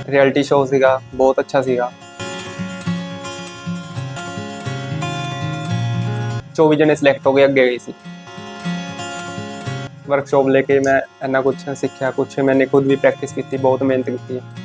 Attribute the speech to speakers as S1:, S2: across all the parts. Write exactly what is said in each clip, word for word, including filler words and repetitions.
S1: Reality show ਸੀਗਾ, ਬਹੁਤ ਅੱਛਾ ਸੀਗਾ। ਚੌਵੀ ਜਣੇ ਸਿਲੈਕਟ ਹੋ ਗਏ, ਅੱਗੇ ਗਏ ਸੀ। ਵਰਕਸ਼ਾਪ ਲੈ ਕੇ ਮੈਂ ਇੰਨਾ ਕੁਛ ਸਿੱਖਿਆ, ਕੁਛ ਮੈंने खुद भी प्रैक्टिस ਕੀਤੀ, ਬਹੁਤ ਮਿਹਨਤ ਕੀਤੀ ਹੈ।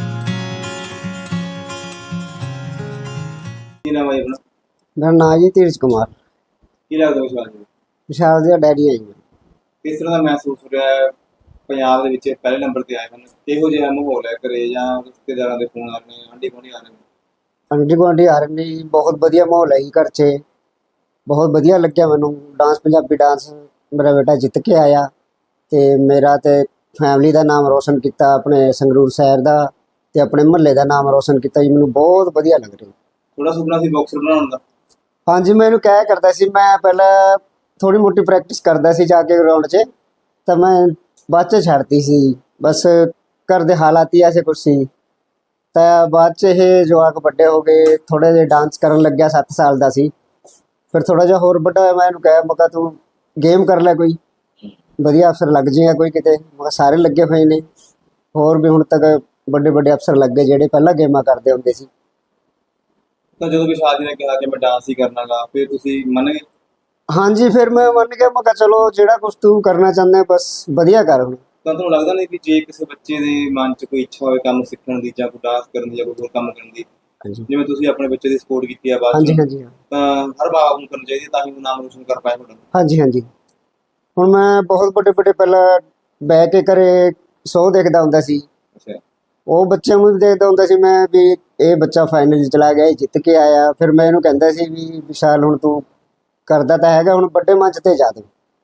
S2: ਕੀ ਨਾਮ ਹੈ ਆਪਣਾ?
S3: ਮੇਰਾ ਨਾਮ ਜੀ ਧੀਰਜ ਕੁਮਾਰ।
S2: ਕੀ ਲੱਗਦਾ ਵਿਸ਼ਾਲ ਜੀ?
S3: ਵਿਸ਼ਾਲ ਦਾ ਡੈਡੀ ਹੈ ਜੀ।
S2: ਕਿਸ ਤਰ੍ਹਾਂ ਦਾ ਮਹਿਸੂਸ ਹੋ ਰਿਹਾ ਹੈ ਪੰਜਾਬ ਦੇ ਵਿੱਚ ਪਹਿਲੇ ਨੰਬਰ ਤੇ ਆਏ ਹਨ? ਕਿਹੋ ਜਿਹਾ ਮਾਹੌਲ ਹੈ ਘਰੇ, ਜਾਂ ਰਿਸ਼ਤੇਦਾਰਾਂ ਦੇ ਫੋਨ ਆ ਰਹੇ ਨੇ, ਆਂਢੀ ਗੁਆਂਢੀ ਆ ਰਹੇ ਨੇ?
S3: ਆਂਢੀ ਗੁਆਂਢੀ ਆ ਰਹੇ ਨੇ ਜੀ, ਬਹੁਤ ਵਧੀਆ ਮਾਹੌਲ ਹੈ ਜੀ ਘਰ 'ਚ। ਬਹੁਤ ਵਧੀਆ ਲੱਗਿਆ ਮੈਨੂੰ ਡਾਂਸ, ਪੰਜਾਬੀ ਡਾਂਸ। ਮੇਰਾ ਬੇਟਾ ਜਿੱਤ ਕੇ ਆਇਆ ਤੇ ਮੇਰਾ ਤੇ ਫੈਮਿਲੀ ਦਾ ਨਾਮ ਰੋਸ਼ਨ ਕੀਤਾ, ਆਪਣੇ ਸੰਗਰੂਰ ਸ਼ਹਿਰ ਦਾ ਤੇ ਆਪਣੇ ਮੁਹੱਲੇ ਦਾ ਨਾਮ ਰੋਸ਼ਨ ਕੀਤਾ ਜੀ। ਮੈਨੂੰ ਬਹੁਤ ਵਧੀਆ ਲੱਗ ਰਿਹਾ।
S2: ਥੋੜਾ ਸੁਪਨਾ ਸੀ ਬਾਕਸਰ ਬਣਾਉਣ ਦਾ?
S3: ਹਾਂਜੀ, ਮੈਨੂੰ ਕਹਿ ਕਰਦਾ ਸੀ। ਮੈਂ ਪਹਿਲਾਂ ਥੋੜੀ ਮੋਟੀ ਪ੍ਰੈਕਟਿਸ ਕਰਦਾ ਸੀ ਜਾ ਕੇ ਗਰਾਊਂਡ 'ਚ, ਤਾਂ ਮੈਂ ਬਾਅਦ 'ਚ ਛੱਡਤੀ ਸੀ। ਬਸ ਘਰ ਦੇ ਹਾਲਾਤ ਹੀ ਐਸੇ ਕੁਛ ਸੀ। ਤਾਂ ਬਾਅਦ 'ਚ ਇਹ ਜਵਾਕ ਵੱਡੇ ਹੋ ਗਏ, ਥੋੜ੍ਹੇ ਜਿਹੇ ਡਾਂਸ ਕਰਨ ਲੱਗਿਆ। ਸੱਤ ਸਾਲ ਦਾ ਸੀ। ਫਿਰ ਥੋੜ੍ਹਾ ਜਿਹਾ ਹੋਰ ਵੱਡਾ ਹੋਇਆ, ਮੈਂ ਇਹਨੂੰ ਕਿਹਾ, ਮੈਂ ਕਿਹਾ ਤੂੰ ਗੇਮ ਕਰ ਲੈ, ਕੋਈ ਵਧੀਆ ਅਫਸਰ ਲੱਗ ਜਾਏਗਾ ਕੋਈ ਕਿਤੇ। ਮੈਂ ਕਿਹਾ ਸਾਰੇ ਲੱਗੇ ਹੋਏ ਨੇ, ਹੋਰ ਵੀ ਹੁਣ ਤੱਕ ਵੱਡੇ ਵੱਡੇ ਅਫਸਰ ਲੱਗ ਗਏ ਜਿਹੜੇ ਪਹਿਲਾਂ ਗੇਮਾਂ ਕਰਦੇ ਹੁੰਦੇ ਸੀ।
S2: ਤਾਂ ਜਦੋਂ ਵਿਸ਼ਾਲ ਜੀ ਨੇ ਕਿਹਾ ਕਿ ਮੈਂ ਡਾਂਸ ਹੀ ਕਰਨਾਗਾ, ਫਿਰ ਤੁਸੀਂ ਮੰਨ ਗਏ?
S3: ਹਾਂਜੀ, ਫਿਰ ਮੈਂ ਮੰਨ ਗਿਆ। ਮੈਂ ਕਿਹਾ ਚਲੋ ਜਿਹੜਾ ਕੁਛ ਤੂੰ ਕਰਨਾ ਚਾਹੁੰਦਾ ਬਸ ਵਧੀਆ ਕਰ। ਹੁਣ
S2: ਤਾਂ ਤੁਹਾਨੂੰ ਲੱਗਦਾ ਨਹੀਂ ਕਿ ਜੇ ਕਿਸੇ ਬੱਚੇ ਦੇ ਮਨ 'ਚ ਕੋਈ ਇੱਛਾ ਹੋਵੇ ਕੰਮ ਸਿੱਖਣ ਦੀ, ਜਾਂ ਕੋਈ ਡਾਂਸ ਕਰਨ ਦੀ, ਜਾਂ ਕੋਈ ਹੋਰ ਕੰਮ ਕਰਨ ਦੀ, ਜਿਵੇਂ ਤੁਸੀਂ ਆਪਣੇ ਬੱਚੇ ਦੀ ਸਪੋਰਟ ਕੀਤੀ ਆ ਬਾਅਦ
S3: ਹਾਂਜੀ
S2: ਚ,
S3: ਹਾਂਜੀ
S2: ਤਾਂ ਹਰ ਬਾਪ ਨੂੰ ਕਰਨੀ ਚਾਹੀਦੀ, ਤਾਂ ਹੀ ਉਹ ਨਾਮ ਰੋਸ਼ਨ ਕਰ ਪਾਏ ਤੁਹਾਡਾ।
S3: ਹਾਂਜੀ ਹਾਂਜੀ ਹੁਣ ਮੈਂ ਬਹੁਤ ਵੱਡੇ ਵੱਡੇ ਪਹਿਲਾਂ ਬਹਿ ਕੇ ਘਰੇ ਸ਼ੋਅ ਦੇਖਦਾ ਹੁੰਦਾ ਸੀ।
S2: ਅੱਛਾ।
S3: ਉਹ ਬੱਚਿਆਂ ਨੂੰ ਵੀ ਦੇਖਦਾ ਹੁੰਦਾ ਸੀ ਮੈਂ ਵੀ ਇਹ ਬੱਚਾ ਫਾਈਨਲ 'ਚ ਚਲਾ ਗਿਆ, ਇਹ ਜਿੱਤ ਕੇ ਆਇਆ। ਫਿਰ ਮੈਂ ਇਹਨੂੰ ਕਹਿੰਦਾ ਸੀ ਵੀ ਵਿਸ਼ਾਲ ਹੁਣ ਤੂੰ ਕਰਦਾ ਤਾਂ ਹੈਗਾ, ਹੁਣ ਵੱਡੇ ਮੰਚ ਤੇ ਜਾ ਤੂੰ,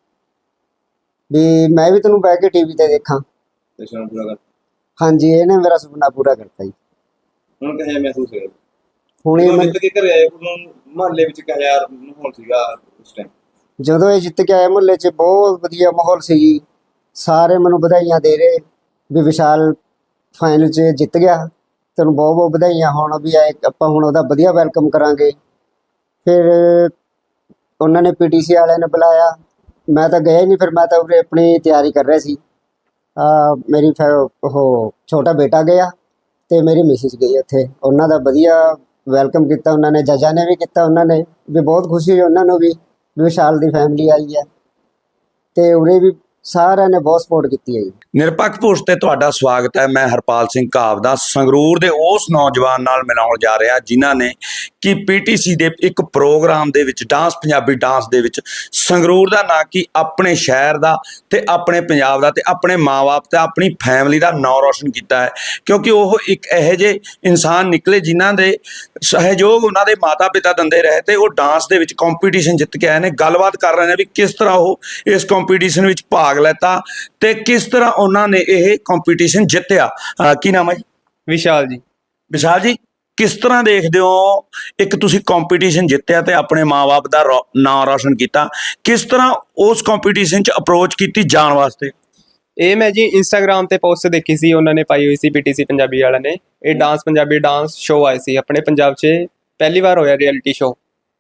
S3: ਵੀ ਮੈਂ ਵੀ ਤੈਨੂੰ ਬਹਿ ਕੇ ਟੀਵੀ ਤੇ ਦੇਖਾਂ।
S2: ਤੇ ਸੁਣਾ ਪੂਰਾ ਕਰ।
S3: ਹਾਂਜੀ, ਇਹਨੇ ਮੇਰਾ ਸੁਪਨਾ ਪੂਰਾ ਕਰਤਾ ਜੀ।
S2: ਹੁਣ ਕਿਹੋ ਜਿਹਾ ਮਹਿਸੂਸ ਹੋਇਆ
S3: ਹੁਣ ਇਹ
S2: ਜਦੋਂ
S3: ਮੈਂ
S2: ਜਿੱਤ ਕੇ ਘਰੇ ਆਏ? ਉਦੋਂ ਮੁਹੱਲੇ ਵਿੱਚ ਕਿਹੋ ਜਿਹਾ ਮਾਹੌਲ ਸੀਗਾ ਉਸ ਟਾਈਮ?
S3: ਜਦੋਂ ਇਹ ਜਿੱਤ ਕੇ ਆਇਆ ਮੁਹੱਲੇ 'ਚ ਬਹੁਤ ਵਧੀਆ ਮਾਹੌਲ ਸੀ ਜੀ। ਸਾਰੇ ਮੈਨੂੰ ਵਧਾਈਆਂ ਦੇ ਰਹੇ ਵੀ ਵਿਸ਼ਾਲ ਫਾਈਨਲ 'ਚ ਜਿੱਤ ਗਿਆ, ਤੈਨੂੰ ਬਹੁਤ ਬਹੁਤ ਵਧਾਈਆਂ। ਹੁਣ ਵੀ ਆਏ ਆਪਾਂ ਹੁਣ ਉਹਦਾ ਵਧੀਆ ਵੈਲਕਮ ਕਰਾਂਗੇ। ਫਿਰ ਉਹਨਾਂ ਨੇ ਪੀਟੀਸੀ ਵਾਲਿਆਂ ਨੇ ਬੁਲਾਇਆ, ਮੈਂ ਤਾਂ ਗਿਆ ਹੀ ਨਹੀਂ। ਫਿਰ ਮੈਂ ਤਾਂ ਉਰੇ ਆਪਣੀ ਤਿਆਰੀ ਕਰ ਰਿਹਾ ਸੀ। ਮੇਰੀ ਫੈ ਉਹ ਛੋਟਾ ਬੇਟਾ ਗਿਆ ਅਤੇ ਮੇਰੀ ਮਿਸਿਸ ਗਈ ਉੱਥੇ। ਉਹਨਾਂ ਦਾ ਵਧੀਆ ਵੈਲਕਮ ਕੀਤਾ ਉਹਨਾਂ ਨੇ, ਜੱਜਾਂ ਨੇ ਵੀ ਕੀਤਾ। ਉਹਨਾਂ ਨੇ ਵੀ ਬਹੁਤ ਖੁਸ਼ੀ ਹੋਈ ਉਹਨਾਂ ਨੂੰ ਵੀ ਵਿਸ਼ਾਲ ਦੀ ਫੈਮਿਲੀ ਆਈ ਹੈ, ਅਤੇ ਉਰੇ ਵੀ ਸਾਰਿਆਂ ਨੇ ਬਹੁਤ ਸਪੋਰਟ ਕੀਤੀ ਹੈ ਜੀ।
S4: ਨਿਰਪੱਖ ਪੁਰਸ਼ ਤੇ ਤੁਹਾਡਾ ਸਵਾਗਤ ਹੈ। ਮੈਂ ਹਰਪਾਲ ਸਿੰਘ ਘਾਵਦਾ ਸੰਗਰੂਰ ਦੇ ਉਸ ਨੌਜਵਾਨ ਨਾਲ ਮਿਲਾਉਣ ਜਾ ਰਿਹਾ ਜਿਨ੍ਹਾਂ ਨੇ ਕਿ ਪੀਟੀਸੀ ਦੇ ਇੱਕ ਪ੍ਰੋਗਰਾਮ ਦੇ ਵਿੱਚ ਡਾਂਸ, ਪੰਜਾਬੀ ਡਾਂਸ ਦੇ ਵਿੱਚ ਸੰਗਰੂਰ ਦਾ ਨਾਂ ਕਿ ਆਪਣੇ ਸ਼ਹਿਰ ਦਾ ਤੇ ਆਪਣੇ ਪੰਜਾਬ ਦਾ ਤੇ ਆਪਣੇ ਮਾਂ-ਬਾਪ ਤੇ ਆਪਣੀ ਫੈਮਿਲੀ ਦਾ ਨਾਂ ਰੋਸ਼ਨ ਕੀਤਾ ਹੈ। ਕਿਉਂਕਿ ਉਹ ਇੱਕ ਇਹੋ ਜਿਹੇ ਇਨਸਾਨ ਨਿਕਲੇ ਜਿਨ੍ਹਾਂ ਦੇ ਸਹਿਯੋਗ ਉਹਨਾਂ ਦੇ ਮਾਤਾ ਪਿਤਾ ਦਿੰਦੇ ਰਹੇ ਤੇ ਉਹ ਡਾਂਸ ਦੇ ਵਿੱਚ ਕੰਪੀਟੀਸ਼ਨ ਜਿੱਤ ਕੇ ਆਏ ਨੇ। ਗੱਲਬਾਤ ਕਰ ਰਹੇ ਨੇ ਵੀ ਕਿਸ ਤਰ੍ਹਾਂ ਉਹ ਇਸ ਕੰਪੀਟੀਸ਼ਨ ਵਿੱਚ ਭਾਗ ਲੈਤਾ ਤੇ ਕਿਸ ਤਰ੍ਹਾਂ ਉਹਨਾਂ ਨੇ ਇਹ ਕੰਪੀਟੀਸ਼ਨ ਜਿੱਤਿਆ। ਕੀ ਨਾਮ ਹੈ ਜੀ?
S1: ਵਿਸ਼ਾਲ ਜੀ।
S4: ਵਿਸ਼ਾਲ ਜੀ, ਕਿਸ ਤਰ੍ਹਾਂ ਦੇਖਦੇ ਹੋ ਇੱਕ ਤੁਸੀਂ ਕੰਪੀਟੀਸ਼ਨ ਜਿੱਤਿਆ ਤੇ ਆਪਣੇ ਮਾਂ-ਬਾਪ ਦਾ ਨਾਂ ਰੋਸ਼ਨ ਕੀਤਾ, ਕਿਸ ਤਰ੍ਹਾਂ ਉਸ ਕੰਪੀਟੀਸ਼ਨ 'ਚ ਅਪਰੋਚ ਕੀਤੀ ਜਾਣ ਵਾਸਤੇ?
S1: ਇਹ ਮੈਂ ਜੀ ਇੰਸਟਾਗ੍ਰਾਮ ਤੇ ਪੋਸਟ ਦੇਖੀ ਸੀ, ਉਹਨਾਂ ਨੇ ਪਾਈ ਹੋਈ ਸੀ ਪੀਟੀਸੀ ਪੰਜਾਬੀ ਵਾਲਿਆਂ ਨੇ। ਇਹ ਡਾਂਸ, ਪੰਜਾਬੀ ਡਾਂਸ ਸ਼ੋਅ ਆਏ ਸੀ ਆਪਣੇ ਪੰਜਾਬ 'ਚ, ਪਹਿਲੀ ਵਾਰ ਹੋਇਆ ਰਿਐਲਿਟੀ ਸ਼ੋਅ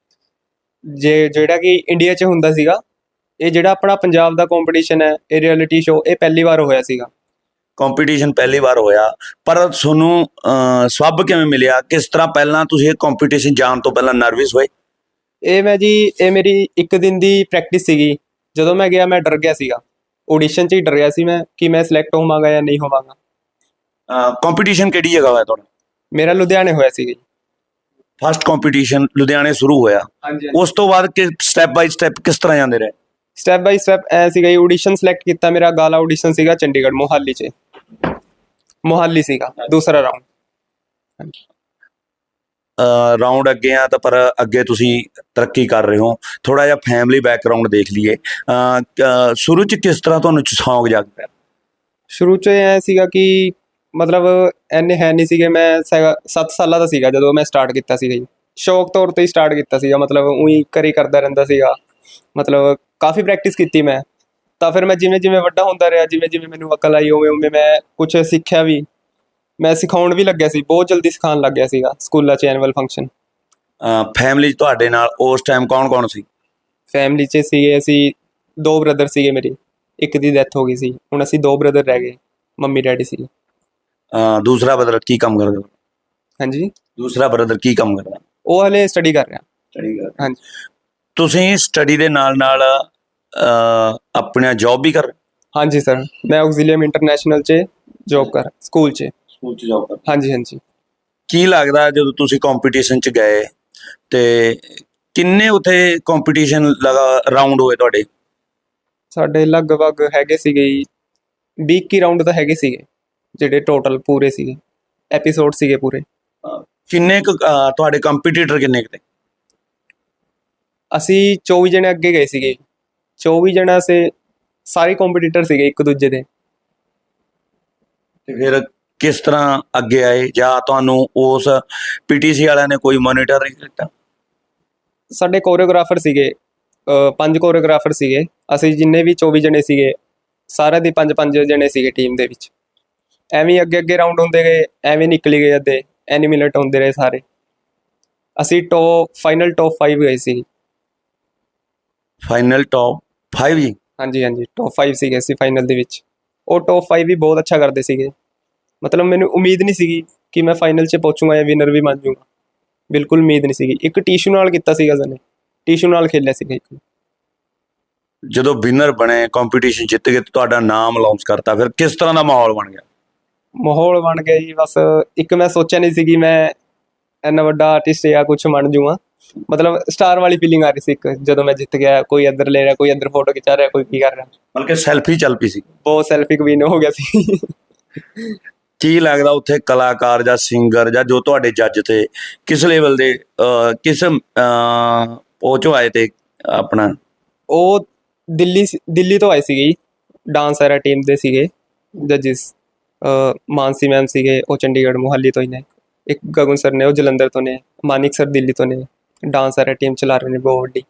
S1: ਜੇ ਜਿਹੜਾ ਕਿ ਇੰਡੀਆ 'ਚ ਹੁੰਦਾ ਸੀਗਾ। ਇਹ ਜਿਹੜਾ ਆਪਣਾ ਪੰਜਾਬ ਦਾ ਕੰਪੀਟੀਸ਼ਨ ਹੈ, ਇਹ ਰਿਐਲਿਟੀ ਸ਼ੋਅ, ਇਹ ਪਹਿਲੀ ਵਾਰ ਹੋਇਆ ਸੀਗਾ।
S4: ਕੰਪੀਟੀਸ਼ਨ ਪਹਿਲੀ ਵਾਰ ਹੋਇਆ, ਪਰ ਤੁਹਾਨੂੰ ਸਬੱਬ ਕਿਵੇਂ ਮਿਲਿਆ? ਕਿਸ ਤਰ੍ਹਾਂ ਪਹਿਲਾਂ ਤੁਸੀਂ ਇਹ ਕੰਪੀਟੀਸ਼ਨ ਜਾਣ ਤੋਂ ਪਹਿਲਾਂ ਨਰਵਸ ਹੋਏ?
S1: ਇਹ ਮੈਂ ਜੀ ਇਹ ਮੇਰੀ ਇੱਕ ਦਿਨ ਦੀ ਪ੍ਰੈਕਟਿਸ ਸੀਗੀ। ਜਦੋਂ ਮੈਂ ਗਿਆ ਮੈਂ ਡਰ ਗਿਆ ਸੀਗਾ, ਆਡੀਸ਼ਨ 'ਚ ਹੀ ਡਰ ਗਿਆ ਸੀ ਮੈਂ ਕਿ ਮੈਂ ਸਿਲੈਕਟ ਹੋਵਾਂਗਾ ਜਾਂ ਨਹੀਂ ਹੋਵਾਂਗਾ।
S4: ਕੰਪੀਟੀਸ਼ਨ ਕਿਹੜੀ ਜਗ੍ਹਾ ਹੋਇਆ ਤੁਹਾਡਾ?
S1: ਮੇਰਾ ਲੁਧਿਆਣੇ ਹੋਇਆ ਸੀਗਾ ਜੀ।
S4: ਫਸਟ ਕੰਪੀਟੀਸ਼ਨ ਲੁਧਿਆਣੇ ਸ਼ੁਰੂ ਹੋਇਆ,
S1: ਹਾਂਜੀ।
S4: ਉਸ ਤੋਂ ਬਾਅਦ ਕਿ ਸਟੈਪ ਬਾਈ ਸਟੈਪ ਕਿਸ ਤਰ੍ਹਾਂ ਜਾਂਦੇ ਰਹੇ?
S1: ਸਟੈਪ ਬਾਈ ਸਟੈਪ ਐ ਸੀਗਾ ਜੀ, ਆਡੀਸ਼ਨ ਸਿਲੈਕਟ ਕੀਤਾ। ਮੇਰਾ ਗਾਲਾ ਆਡੀਸ਼ਨ ਸੀਗਾ ਚੰਡੀਗੜ੍ਹ, ਮੋਹਾਲੀ 'ਚ ਮੋਹਾਲੀ ਸੀਗਾ ਦੂਸਰਾ ਰਾਊਂਡ। ਹਾਂਜੀ।
S4: ਰਾਊਂਡ ਅੱਗੇ ਆ ਤਾਂ ਪਰ ਅੱਗੇ ਤੁਸੀਂ ਤਰੱਕੀ ਕਰ ਰਹੇ ਹੋ। ਥੋੜ੍ਹਾ ਜਿਹਾ ਫੈਮਿਲੀ ਬੈਕਗਰਾਊਂਡ ਦੇਖ ਲਈਏ। ਸ਼ੁਰੂ 'ਚ ਕਿਸ ਤਰ੍ਹਾਂ ਤੁਹਾਨੂੰ ਸ਼ੌਂਕ ਜਾਗ ਪਿਆ?
S1: ਸ਼ੁਰੂ 'ਚ ਐ ਸੀਗਾ ਕਿ ਮਤਲਬ ਇੰਨੇ ਹੈ ਨਹੀਂ ਸੀਗੇ। ਮੈਂ ਸੱਤ ਸਾਲਾਂ ਦਾ ਸੀਗਾ ਜਦੋਂ ਮੈਂ ਸਟਾਰਟ ਕੀਤਾ ਸੀਗਾ ਜੀ। ਸ਼ੌਕ ਤੌਰ 'ਤੇ ਹੀ ਸਟਾਰਟ ਕੀਤਾ ਸੀਗਾ, ਮਤਲਬ ਊਂ ਘਰੇ ਕਰਦਾ ਰਹਿੰਦਾ ਸੀਗਾ। ਮਤਲਬ ਕਾਫੀ ਪ੍ਰੈਕਟਿਸ ਕੀਤੀ ਮੈਂ। ਤਾਂ ਫਿਰ ਮੈਂ ਜਿਵੇਂ ਜਿਵੇਂ ਵੱਡਾ ਹੁੰਦਾ ਰਿਹਾ, ਜਿਵੇਂ ਜਿਵੇਂ ਮੈਨੂੰ ਅਕਲ ਆਈ, ਉਵੇਂ ਉਵੇਂ ਮੈਂ ਕੁਛ ਸਿੱਖਿਆ ਵੀ। ਮੈਂ ਸਿਖਾਉਣ ਵੀ ਲੱਗਿਆ ਸੀ, ਬਹੁਤ ਜਲਦੀ ਸਿਖਾਉਣ ਲੱਗ ਗਿਆ ਸੀਗਾ ਸਕੂਲਾਂ 'ਚ ਐਨੂਅਲ ਫੰਕਸ਼ਨ।
S4: ਫੈਮਿਲੀ 'ਚ ਤੁਹਾਡੇ ਨਾਲ ਉਸ ਟਾਈਮ ਕੌਣ ਕੌਣ ਸੀ?
S1: ਫੈਮਿਲੀ 'ਚ ਸੀਗੇ ਅਸੀਂ ਦੋ ਬ੍ਰਦਰ ਸੀਗੇ ਮੇਰੇ, ਇੱਕ ਦੀ ਡੈਥ ਹੋ ਗਈ ਸੀ। ਹੁਣ ਅਸੀਂ ਦੋ ਬ੍ਰਦਰ ਰਹਿ ਗਏ, ਮੰਮੀ ਡੈਡੀ ਸੀ।
S4: ਅਹ ਦੂਸਰਾ ਬ੍ਰਦਰ ਕੀ ਕੰਮ ਕਰਦਾ?
S1: ਹਾਂਜੀ,
S4: ਦੂਸਰਾ ਬ੍ਰਦਰ ਕੀ ਕੰਮ ਕਰਦਾ?
S1: ਉਹ ਹਲੇ ਸਟੱਡੀ ਕਰ ਰਿਹਾ।
S4: ਸਟੱਡੀ ਕਰ।
S1: ਹਾਂਜੀ
S4: ਤੁਸੀਂ ਸਟੱਡੀ ਦੇ ਨਾਲ ਨਾਲ ਅਹ, ਆਪਣਾ ਜੌਬ ਵੀ ਕਰ?
S1: ਹਾਂਜੀ ਸਰ, ਮੈਂ ਆਕਸੀਲੀਅਮ ਇੰਟਰਨੈਸ਼ਨਲ 'ਚ ਜੋਬ ਕਰ ਸਕੂਲ 'ਚ।
S4: ਸਕੂਲ 'ਚ ਜੌਬ ਕਰ।
S1: ਹਾਂਜੀ ਹਾਂਜੀ।
S4: ਕੀ ਲੱਗਦਾ ਜਦੋਂ ਤੁਸੀਂ ਕੰਪੀਟੀਸ਼ਨ 'ਚ ਗਏ ਤੇ ਕਿੰਨੇ ਉੱਥੇ ਕੰਪੀਟੀਸ਼ਨ ਲਗਾ ਰਾਉਂਡ ਹੋਏ ਤੁਹਾਡੇ?
S1: ਸਾਡੇ ਲਗਭਗ ਹੈਗੇ ਸੀਗੇ ਜੀ ਵੀਹ ਇੱਕੀ ਰਾਊਂਡ ਤਾਂ ਹੈਗੇ ਸੀਗੇ, ਜਿਹੜੇ ਟੋਟਲ ਪੂਰੇ ਸੀਗੇ, ਐਪੀਸੋਡ ਸੀਗੇ ਪੂਰੇ।
S4: ਕਿੰਨੇ ਕੁ ਅਹ, ਤੁਹਾਡੇ ਕੰਪੀਟੀਟਰ ਕਿੰਨੇ ਕੁ ਤੇ?
S1: ਅਸੀਂ ਚੌਵੀ ਜਣੇ ਅੱਗੇ ਗਏ ਸੀਗੇ, ਚੌਵੀ ਜਣਾ ਸੇ ਸਾਰੇ ਕੰਪੀਟੀਟਰ ਸੀਗੇ ਇੱਕ ਦੂਜੇ ਦੇ।
S4: ਤੇ ਫਿਰ ਕਿਸ ਤਰ੍ਹਾਂ ਅੱਗੇ ਆਏ, ਜਾਂ ਤੁਹਾਨੂੰ ਉਸ ਪੀਟੀਸੀ ਵਾਲਿਆਂ ਨੇ ਕੋਈ ਮੋਨੀਟਰ ਨਹੀਂ ਕੀਤਾ?
S1: ਸਾਡੇ ਕੋਰੀਓਗ੍ਰਾਫਰ ਸੀਗੇ, ਅਹ ਪੰਜ ਕੋਰੀਓਗ੍ਰਾਫਰ ਸੀਗੇ। ਅਸੀਂ ਜਿੰਨੇ ਵੀ ਚੌਵੀ ਜਣੇ ਸੀਗੇ, ਸਾਰਿਆਂ ਦੇ ਪੰਜ ਪੰਜ ਜਣੇ ਸੀਗੇ ਟੀਮ ਦੇ ਵਿੱਚ। ਐਵੇਂ ਹੀ ਅੱਗੇ ਅੱਗੇ ਰਾਊਂਡ ਹੁੰਦੇ ਗਏ, ਐਵੇਂ ਨਿਕਲੀ ਗਏ ਅੱਧੇ, ਐਨੀਮੇਟ ਹੁੰਦੇ ਰਹੇ ਸਾਰੇ। ਅਸੀਂ ਟੌਪ ਫਾਈਨਲ ਟੌਪ ਫਾਈਵ ਗਏ ਸੀ।
S4: Final top five G?
S1: ਹਾਂਜੀ ਹਾਂਜੀ, ਟੌਪ ਫਾਈਵ ਸੀਗੇ ਅਸੀਂ ਫਾਈਨਲ ਦੇ ਵਿੱਚ। ਉਹ ਟੌਪ ਫਾਈਵ ਵੀ ਬਹੁਤ ਅੱਛਾ ਕਰਦੇ ਸੀਗੇ, ਮਤਲਬ ਮੈਨੂੰ ਉਮੀਦ ਨਹੀਂ ਸੀਗੀ ਕਿ ਮੈਂ ਫਾਈਨਲ 'ਚ ਪਹੁੰਚੂਗਾ ਜਾਂ ਵਿਨਰ ਵੀ ਬਣ ਜਾਊਗਾ, ਬਿਲਕੁਲ ਉਮੀਦ ਨਹੀਂ ਸੀਗੀ। ਇੱਕ ਟੀਸ਼ੂ ਨਾਲ ਕੀਤਾ ਸੀਗਾ ਸਨੇ, ਟੀਸ਼ੂ ਨਾਲ ਖੇਲਿਆ ਸੀਗਾ ਇੱਕ।
S4: ਜਦੋਂ ਵਿਨਰ ਬਣੇ, ਕੰਪੀਟੀਸ਼ਨ ਜਿੱਤ ਗਏ, ਤੁਹਾਡਾ ਨਾਮ ਅਨਾਉਂਸ ਕਰਤਾ, ਫਿਰ ਕਿਸ ਤਰ੍ਹਾਂ ਦਾ ਮਾਹੌਲ ਬਣ ਗਿਆ?
S1: ਮਾਹੌਲ ਬਣ ਗਿਆ ਜੀ, ਬਸ ਇੱਕ ਮੈਂ ਸੋਚਿਆ ਨਹੀਂ ਸੀ ਕਿ ਮੈਂ ਇੰਨਾ ਵੱਡਾ ਆਰਟਿਸਟ ਜਾਂ ਕੁਛ ਬਣ ਜਾਊਗਾ। ਮਤਲਬ ਸਟਾਰ ਵਾਲੀ ਫੀਲਿੰਗ ਆ ਰਹੀ ਸੀ ਇੱਕ, ਜਦੋਂ ਮੈਂ ਜਿੱਤ ਗਿਆ। ਕੋਈ ਇੱਧਰ ਲੈ ਰਿਹਾ, ਕੋਈ ਇੱਧਰ ਫੋਟੋ ਖਿਚਾ ਰਿਹਾ, ਕੋਈ ਕੀ ਕਰ ਰਿਹਾ।
S4: ਬਲਕਿ ਸੈਲਫੀ ਚੱਲ ਪਈ ਸੀ।
S1: ਬਹੁਤ ਸੈਲਫੀ ਕਵੀਨ ਹੋ ਗਿਆ ਸੀ।
S4: ਕੀ ਲੱਗਦਾ ਉੱਥੇ ਕਲਾਕਾਰ ਜਾਂ ਸਿੰਗਰ ਜਾਂ ਜੋ ਤੁਹਾਡੇ ਜੱਜ ਤੇ ਕਿਸ ਲੈਵਲ ਦੇ ਅਹ, ਕਿਸ ਅਹ, ਉਹ ਚੋਂ ਆਏ ਤੇ ਆਪਣਾ?
S1: ਉਹ ਦਿੱਲੀ ਦਿੱਲੀ ਤੋਂ ਆਏ ਸੀਗੇ ਜੀ, ਡਾਂਸ ਐਰਾ ਟੀਮ ਦੇ ਸੀਗੇ ਜੱਜਿਸ। ਮਾਨਸੀ ਮੈਮ ਸੀਗੇ, ਉਹ ਚੰਡੀਗੜ੍ਹ ਮੁਹਾਲੀ ਤੋਂ ਹੀ ਨੇ। ਇੱਕ ਗਗਨ ਸਰ ਨੇ, ਉਹ ਜਲੰਧਰ ਤੋਂ ਨੇ। ਮਾਨਿਕ ਸਰ ਦਿੱਲੀ ਤੋਂ ਨੇ। ਡਾਂਸ ਐਰਾ ਟੀਮ ਚਲਾ ਰਹੇ ਨੇ ਬਹੁਤ ਵੱਡੀ।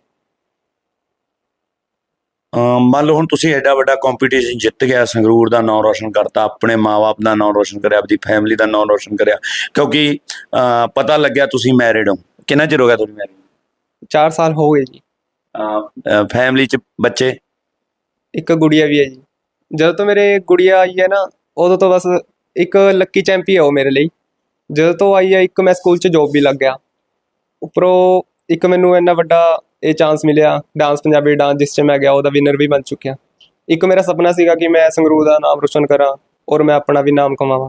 S4: ਅਹ, ਮੰਨ ਲਓ ਹੁਣ ਤੁਸੀਂ ਐਡਾ ਵੱਡਾ ਕੰਪੀਟੀਸ਼ਨ ਜਿੱਤ ਗਿਆ, ਸੰਗਰੂਰ ਦਾ ਨਾਮ ਰੋਸ਼ਨ ਕਰਤਾ, ਆਪਣੇ ਮਾਂ-ਬਾਪ ਦਾ ਨਾਮ ਰੋਸ਼ਨ ਕਰਿਆ, ਆਪਣੀ ਫੈਮਿਲੀ ਦਾ ਨਾਮ ਰੋਸ਼ਨ ਕਰਿਆ, ਕਿਉਂਕਿ ਅਹ, ਪਤਾ ਲੱਗਿਆ ਤੁਸੀਂ ਮੈਰਿਡ ਹੋ। ਕਿੰਨਾ ਚਿਰ ਹੋ ਗਿਆ ਤੁਹਾਡੀ ਮੈਰਿਡ?
S1: ਚਾਰ ਸਾਲ ਹੋ ਗਏ ਜੀ।
S4: ਫੈਮਿਲੀ 'ਚ ਬੱਚੇ?
S1: ਇੱਕ ਗੁੜੀਆ ਵੀ ਹੈ ਜੀ। ਜਦੋਂ ਤੋਂ ਮੇਰੇ ਗੁੜੀਆ ਆਈ ਹੈ ਨਾ, ਉਦੋਂ ਤੋਂ ਬਸ ਇੱਕ ਲੱਕੀ ਚੈਂਪੀ ਹੈ ਉਹ ਮੇਰੇ ਲਈ। ਜਦੋਂ ਤੋਂ ਆਈ ਹੈ, ਇੱਕ ਮੈਂ ਸਕੂਲ 'ਚ ਜੋਬ ਵੀ ਲੱਗ ਗਿਆ। ਉੱਪਰੋਂ ਇੱਕ ਮੈਨੂੰ ਇੰਨਾ ਵੱਡਾ ਇਹ ਚਾਂਸ ਮਿਲਿਆ, ਡਾਂਸ ਪੰਜਾਬੀ ਡਾਂਸ, ਜਿਸ 'ਚ ਮੈਂ ਗਿਆ ਉਹਦਾ ਵਿਨਰ ਵੀ ਬਣ ਚੁੱਕਿਆ। ਇੱਕ ਮੇਰਾ ਸੁਪਨਾ ਸੀਗਾ ਕਿ ਮੈਂ ਸੰਗਰੂਰ ਦਾ ਨਾਮ ਰੋਸ਼ਨ ਕਰਾਂ ਔਰ ਮੈਂ ਆਪਣਾ ਵੀ ਨਾਮ ਕਮਾਵਾਂ।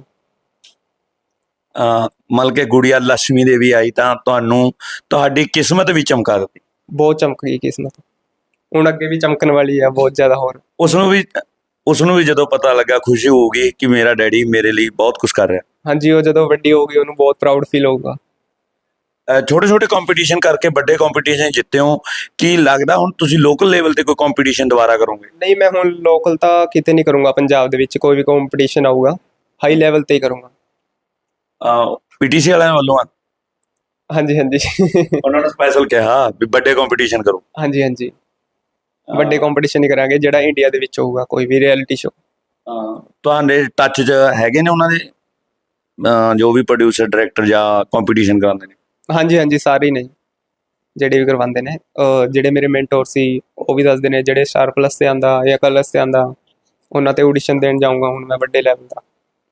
S4: ਮਤਲਬ ਕਿ ਗੁੜੀਆ ਲక్ష్ਮੀ ਦੇਵੀ ਆਈ ਤਾਂ ਤੁਹਾਨੂੰ ਤੁਹਾਡੀ ਕਿਸਮਤ ਵੀ ਚਮਕਾ ਦਿੱਤੀ?
S1: ਬਹੁਤ ਚਮਕ ਗਈ ਕਿਸਮਤ, ਹੁਣ ਅੱਗੇ ਵੀ ਚਮਕਣ ਵਾਲੀ ਹੈ ਬਹੁਤ ਜ਼ਿਆਦਾ ਹੋਰ।
S4: ਉਸਨੂੰ ਵੀ ਉਸਨੂੰ ਵੀ ਜਦੋਂ ਪਤਾ ਲੱਗਾ ਖੁਸ਼ੀ ਹੋਊਗੀ ਕਿ ਮੇਰਾ ਡੈਡੀ ਮੇਰੇ ਲਈ ਬਹੁਤ ਕੁਝ ਕਰ ਰਿਹਾ?
S1: ਹਾਂਜੀ, ਉਹ ਜਦੋਂ ਵੱਡੀ ਹੋਊਗੀ ਉਹਨੂੰ ਬਹੁਤ ਪ੍ਰਾਊਡ ਫੀਲ ਹੋਊਗਾ।
S4: ਛੋਟੇ ਛੋਟੇ ਕੰਪੀਟੀਸ਼ਨ ਕਰਕੇ ਵੱਡੇ ਕੰਪੀਟੀਸ਼ਨ ਜਿੱਤੇ ਹੋ, ਕੀ ਲੱਗਦਾ ਹੁਣ ਤੁਸੀਂ ਲੋਕਲ ਲੈਵਲ ਤੇ ਕੋਈ ਕੰਪੀਟੀਸ਼ਨ ਦੁਬਾਰਾ ਕਰੋਗੇ?
S1: ਨਹੀਂ, ਮੈਂ ਹੁਣ ਲੋਕਲ ਤਾਂ ਕਿਤੇ ਨਹੀਂ ਕਰੂੰਗਾ। ਪੰਜਾਬ ਦੇ ਵਿੱਚ ਕੋਈ ਵੀ ਕੰਪੀਟੀਸ਼ਨ ਆਊਗਾ ਹਾਈ ਲੈਵਲ ਤੇ ਹੀ ਕਰੂੰਗਾ।
S4: ਪੀਟੀਸੀ ਵਾਲਿਆਂ ਵੱਲੋਂ ਆ?
S1: ਹਾਂਜੀ ਹਾਂਜੀ।
S4: ਉਹਨਾਂ ਨੇ ਸਪੈਸ਼ਲ ਕਿਹਾ ਵੀ ਵੱਡੇ ਕੰਪੀਟੀਸ਼ਨ ਕਰੋ?
S1: ਹਾਂਜੀ ਹਾਂਜੀ, ਵੱਡੇ ਕੰਪੀਟੀਸ਼ਨ ਹੀ ਕਰਾਂਗੇ, ਜਿਹੜਾ ਇੰਡੀਆ ਦੇ ਵਿੱਚ ਹੋਊਗਾ, ਕੋਈ ਵੀ ਰਿਐਲਿਟੀ ਸ਼ੋ।
S4: ਤੁਹਾਡੇ ਟੱਚ 'ਚ ਹੈਗੇ ਨੇ ਉਹਨਾਂ ਦੇ ਅਹ, ਜੋ ਵੀ ਪ੍ਰੋਡਿਊਸਰ ਡਾਇਰੈਕਟਰ ਜਾਂ ਕੰਪੀਟੀਸ਼ਨ ਕਰਾਉਂਦੇ ਨੇ?
S1: ਹਾਂਜੀ ਹਾਂਜੀ, ਸਾਰੇ ਹੀ ਨੇ ਜਿਹੜੇ ਵੀ ਕਰਵਾਉਂਦੇ ਨੇ। ਅਹ, ਜਿਹੜੇ ਮੇਰੇ ਮੈਂਟੋਰ ਸੀ ਉਹ ਵੀ ਦੱਸਦੇ ਨੇ, ਜਿਹੜੇ ਸਟਾਰ ਪਲੱਸ ਤੇ ਆਂਦਾ ਜਾਂ ਕਲਰਸ ਤੇ ਆਂਦਾ, ਉਹਨਾਂ ਤੇ ਆਡੀਸ਼ਨ ਦੇਣ ਜਾਊਂਗਾ ਹੁਣ ਮੈਂ ਵੱਡੇ ਲੈਵਲ ਦਾ।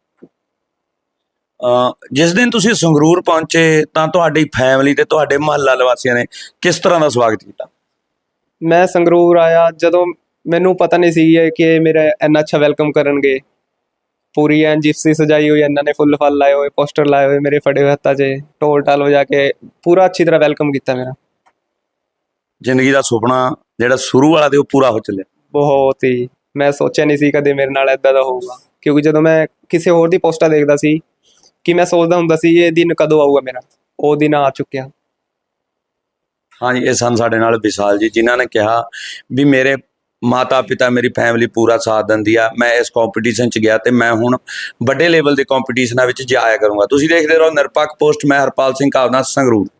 S4: ਜਿਸ ਦਿਨ ਤੁਸੀਂ ਸੰਗਰੂਰ ਪਹੁੰਚੇ ਤਾਂ ਤੁਹਾਡੀ ਫੈਮਿਲੀ ਤੇ ਤੁਹਾਡੇ ਮੁਹੱਲਾ ਨਿਵਾਸੀਆਂ ਨੇ ਕਿਸ ਤਰ੍ਹਾਂ ਦਾ ਸਵਾਗਤ ਕੀਤਾ?
S1: ਮੈਂ ਸੰਗਰੂਰ ਆਇਆ ਜਦੋਂ ਮੈਨੂੰ ਪਤਾ ਨਹੀਂ ਸੀ ਕਿ ਮੇਰਾ ਇੰਨਾ ਅੱਛਾ ਵੈਲਕਮ ਕਰਨਗੇ। ਪੂਰੀ ਐਨ ਜਿਪਸੀ ਸਜਾਈ ਹੋਈ, ਇਹਨਾਂ ਨੇ ਫੁੱਲ ਫਲ ਲਾਏ ਹੋਏ, ਪੋਸਟਰ ਲਾਏ ਹੋਏ ਮੇਰੇ ਫੜੇ ਹੋਏ ਹੱਥਾਂ 'ਚ, ਢੋਲ ਢਾਲ ਵਜਾ ਕੇ ਪੂਰਾ ਅੱਛੀ ਤਰ੍ਹਾਂ ਵੈਲਕਮ ਕੀਤਾ ਮੇਰਾ।
S4: ਜ਼ਿੰਦਗੀ ਦਾ ਸੁਪਨਾ ਜਿਹੜਾ ਸ਼ੁਰੂ ਵਾਲਾ ਤੇ ਉਹ ਪੂਰਾ ਹੋ ਚੱਲਿਆ?
S1: ਬਹੁਤ ਹੀ, ਮੈਂ ਸੋਚਿਆ ਨਹੀਂ ਸੀ ਕਦੇ ਮੇਰੇ ਨਾਲ ਇੱਦਾਂ ਦਾ ਹੋਊਗਾ, ਕਿਉਂਕਿ ਜਦੋਂ ਮੈਂ ਕਿਸੇ ਹੋਰ ਦੀ ਪੋਸਟਾਂ ਦੇਖਦਾ ਸੀ ਕਿ ਮੈਂ ਸੋਚਦਾ ਹੁੰਦਾ ਸੀ ਇਹ ਦਿਨ ਕਦੋਂ ਆਊਗਾ ਮੇਰਾ, ਉਹ ਦਿਨ ਆ ਚੁੱਕਿਆ।
S4: ਹਾਂਜੀ, ਇਹ ਸਨ ਸਾਡੇ ਨਾਲ ਵਿਸ਼ਾਲ ਜੀ, ਜਿਨ੍ਹਾਂ ਨੇ ਕਿਹਾ ਵੀ ਮੇਰੇ ਮਾਤਾ ਪਿਤਾ ਮੇਰੀ ਫੈਮਿਲੀ ਪੂਰਾ ਸਾਥ ਦਿੰਦੀ ਆ, ਮੈਂ ਇਸ ਕੰਪੀਟੀਸ਼ਨ 'ਚ ਗਿਆ ਤੇ ਮੈਂ ਹੁਣ ਵੱਡੇ ਲੈਵਲ ਦੇ ਕੰਪੀਟੀਸ਼ਨਾਂ ਵਿੱਚ ਜਾਇਆ ਕਰੂੰਗਾ। ਤੁਸੀਂ ਦੇਖਦੇ ਰਹੋ ਨਿਰਪੱਖ ਪੋਸਟ, ਮੈਂ ਹਰਪਾਲ ਸਿੰਘ ਕਾਵਦਾ, ਸੰਗਰੂਰ।